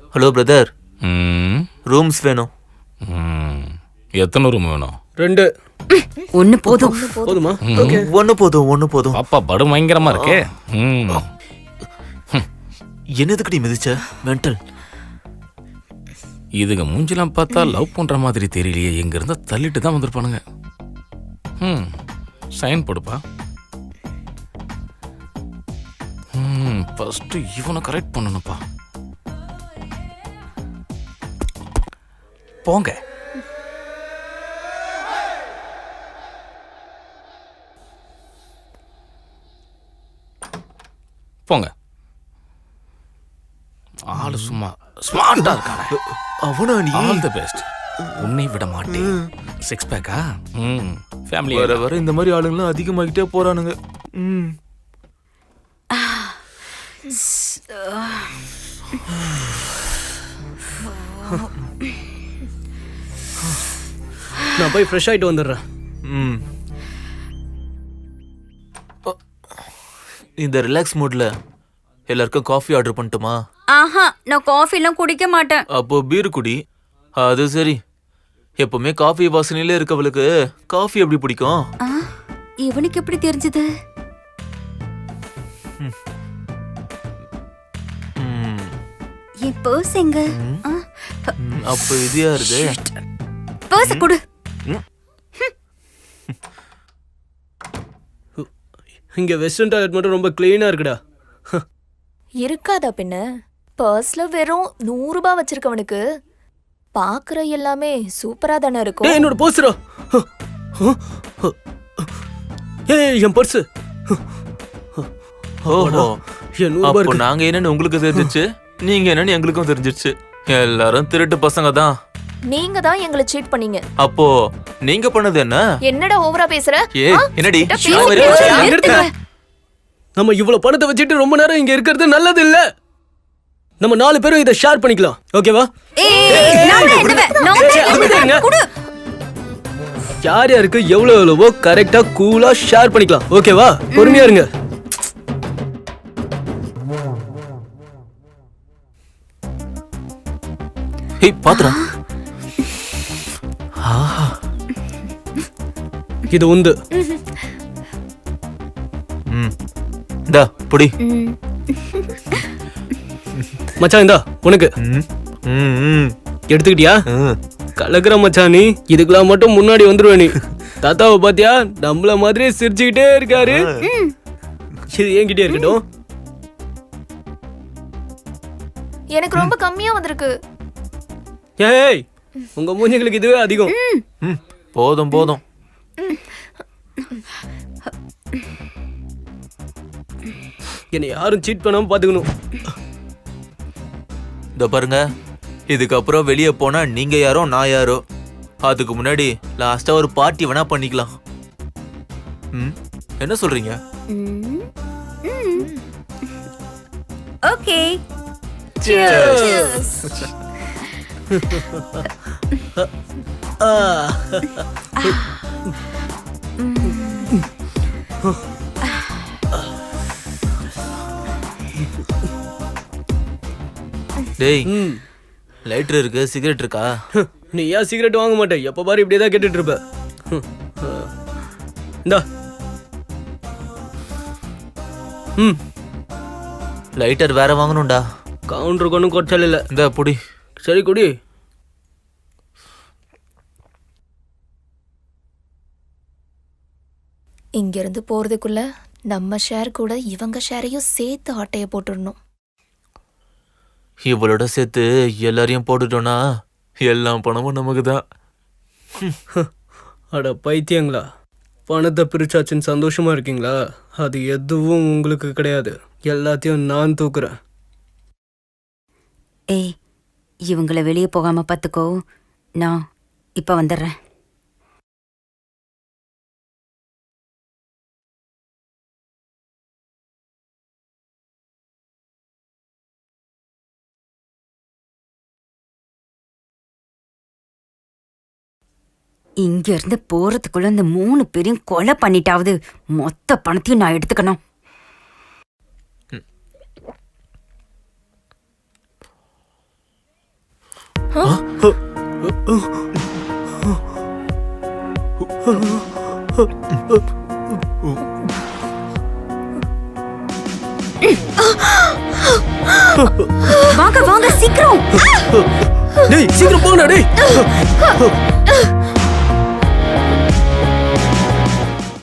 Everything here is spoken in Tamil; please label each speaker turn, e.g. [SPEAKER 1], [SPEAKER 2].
[SPEAKER 1] ஹலோ பிரதர்,
[SPEAKER 2] ம்,
[SPEAKER 1] ரூம்ஸ் வேணும்.
[SPEAKER 2] ம். எத்தனை ரூம் வேணும்?
[SPEAKER 3] 2
[SPEAKER 4] ஒண்ணு போதும்.
[SPEAKER 3] போதுமா?
[SPEAKER 1] ஒன்று போதும், ஒன்று போதும்.
[SPEAKER 2] பாப்பா படு பயங்கரமா இருக்கே. ம்.
[SPEAKER 1] என்னதுக்கு மிதிச்ச மென்டல்?
[SPEAKER 2] இதுங்க மூஞ்சிலாம் பார்த்தா லவ் பண்ற மாதிரி தெரியலையே. எங்க இருந்தா தள்ளிட்டு தான் வந்திருப்பானுங்க. ம், சைன் போடுப்பா. ம், ஃபர்ஸ்ட் இவனை கரெக்ட் பண்ணணும்ப்பா. போங்க. போங்க. ஆளு சும்மா ஸ்மார்ட்டா இருக்கானே.
[SPEAKER 1] அவனா நீ?
[SPEAKER 2] All the best. உன்னை விட மாட்டேன். 6 பேக்கா? ம், ஃபேமிலி
[SPEAKER 1] வர வர இந்த மாதிரி ஆளுங்களாம் அதிகமாகிட்டே போறானுங்க. ம்.
[SPEAKER 3] நான் போய் ஃப்ரெஷ் ஆயிட்டு வந்துடுறேன்.
[SPEAKER 1] ம். இந்த ரிலாக்ஸ் மூட்ல எல்லாருக்கும் காஃபி ஆர்டர் பண்ணட்டுமா?
[SPEAKER 4] ஆஹா, நான் காஃபி எல்லாம் குடிக்க மாட்டேன்.
[SPEAKER 1] அப்போ பீர் குடி. அது சரி. எப்பவுமே காஃபி வாசனையில இருக்கவளுக்கு காஃபி எப்படி பிடிக்கும்?
[SPEAKER 4] ஆ, இவனுக்கு எப்படி தெரிஞ்சது?
[SPEAKER 1] ம்.
[SPEAKER 4] என் பர்ஸ் எங்க? ஆ,
[SPEAKER 1] அப்போ இது யாருது?
[SPEAKER 4] பர்ஸ் கொடு.
[SPEAKER 3] இங்க வெஸ்டர்ன் டாய்லெட் மட்டும் ரொம்ப கிளீனா இருக்குடா.
[SPEAKER 5] இருக்காதா பின்ன? பர்ஸ்ல வெறும் 100 ரூபாய் வச்சிருக்கவனுக்கு பாக்குற எல்லாமே சூப்பரா தானே இருக்கும்.
[SPEAKER 3] ஏய், என்னோட பர்ஸ்ரா. ஏய், என் பர்ஸ்.
[SPEAKER 1] ஓஹோ,
[SPEAKER 3] என் 100 ரூபாய்
[SPEAKER 1] அப்போ
[SPEAKER 3] இருக்கு.
[SPEAKER 1] நாங்க என்னன்னு உங்களுக்கு தெரிஞ்சிருச்சு, நீங்க என்னன்னு எங்களுக்கும் தெரிஞ்சிருச்சு. எல்லாரும் திருட்டு பசங்க தான்.
[SPEAKER 5] நீங்க தான் எங்களை சீட் பண்ணீங்க.
[SPEAKER 1] அப்போ நீங்க பண்ணது என்ன?
[SPEAKER 5] என்னடா ஓவரா பேசுற?
[SPEAKER 1] ஏய், என்னடி
[SPEAKER 5] கிட்ட
[SPEAKER 1] ஷீலா மாதிரி
[SPEAKER 5] பேசு.
[SPEAKER 1] பேசுற?
[SPEAKER 3] நிறுத்துங்க. நம்ம இவ்வளவு பணத்தை வச்சுட்டு ரொம்ப நேரம் இங்க இருக்கிறது நல்லது இல்ல. நம்ம 4 பேரும் இதை ஷேர் பண்ணிக்கலாம். ஓகேவா? யார் யாருக்கு எவ்வளவு எவ்வளவோ கரெக்டா கூலா ஷேர் பண்ணிக்கலாம். ஓகேவா? பொறுமையா இருங்க.
[SPEAKER 1] ஏய், பாத்துடா.
[SPEAKER 3] இது உந்து.
[SPEAKER 1] ம். இந்தா புடி.
[SPEAKER 3] மச்சான் இந்தா உனக்கு.
[SPEAKER 1] ம். ம், ம்.
[SPEAKER 3] எடுத்துக்கிட்டியா?
[SPEAKER 1] ம்.
[SPEAKER 3] கலக்குற மச்சான் நீ. இதுக்கெல்லாம் மட்டும் முன்னாடி வந்துருவ நீ. தாத்தாவை பாத்தியா? நம்மள மாதிரியே சிரிச்சுக்கிட்டே இருக்காரு. இது என்கிட்டயே இருக்கட்டும்.
[SPEAKER 5] எனக்கு ரொம்ப கம்மியா வந்திருக்கு.
[SPEAKER 3] ஏய், உங்க மூஞ்சிகளுக்கு இதுவே அதிகம்.
[SPEAKER 1] ம். போதும் போதும்.
[SPEAKER 3] என்னை யாரும் சீட் பண்ணாம பாத்துக்கணும்.
[SPEAKER 1] இந்த பாருங்க, இதுக்கப்புறம் வெளியே போனா நீங்க யாரோ நான் யாரோ. அதுக்கு முன்னாடி லாஸ்டா ஒரு பார்ட்டி வேணா பண்ணிக்கலாம். ம், என்ன சொல்றீங்க?
[SPEAKER 4] ஓகே.
[SPEAKER 1] டேய், லைட்டர் இருக்கு, சிகரெட் இருக்கா?
[SPEAKER 3] நீ ஏன் சிகரெட் வாங்க மாட்டே? எப்ப பாரு இப்படியே தான் கேட்டுட்டு இருப்ப. இந்தா.
[SPEAKER 1] லைட்டர் வேற வாங்கணும்டா.
[SPEAKER 3] கவுண்டருக்கு ஒன்றும் குறைச்சல் இல்லை.
[SPEAKER 1] இந்த புடி.
[SPEAKER 3] சரி குடி.
[SPEAKER 5] இங்க இருந்து போறதுக்குள்ள நம்ம ஷேர் கூட இவங்க ஷேரையும் சேர்த்து ஆட்டைய போட்டுடணும்.
[SPEAKER 1] இவளோட சேர்த்து எல்லாரையும் போட்டுட்டோம்னா எல்லா பணமும் நமக்கு தான்.
[SPEAKER 3] அட பைத்தியங்களா, பணத்தை பிரிச்சாச்சுன்னு சந்தோஷமா இருக்கீங்களா? அது எதுவும் உங்களுக்கு கிடையாது. எல்லாத்தையும் நான் தூக்குறேன்.
[SPEAKER 4] ஏய், இவங்கள வெளியே போகாம பாத்துக்கோ. நான் இப்ப வந்துடுறேன். இங்க இருந்து போறதுக்குள்ள இந்த 3 பேரையும் கொலை பண்ணிட்டாவது மொத்த பணத்தையும் நான் எடுத்துக்கணும். வாங்க வாங்க சீக்கிரம்.
[SPEAKER 3] டேய் சீக்கிரம் போங்கடா டேய்.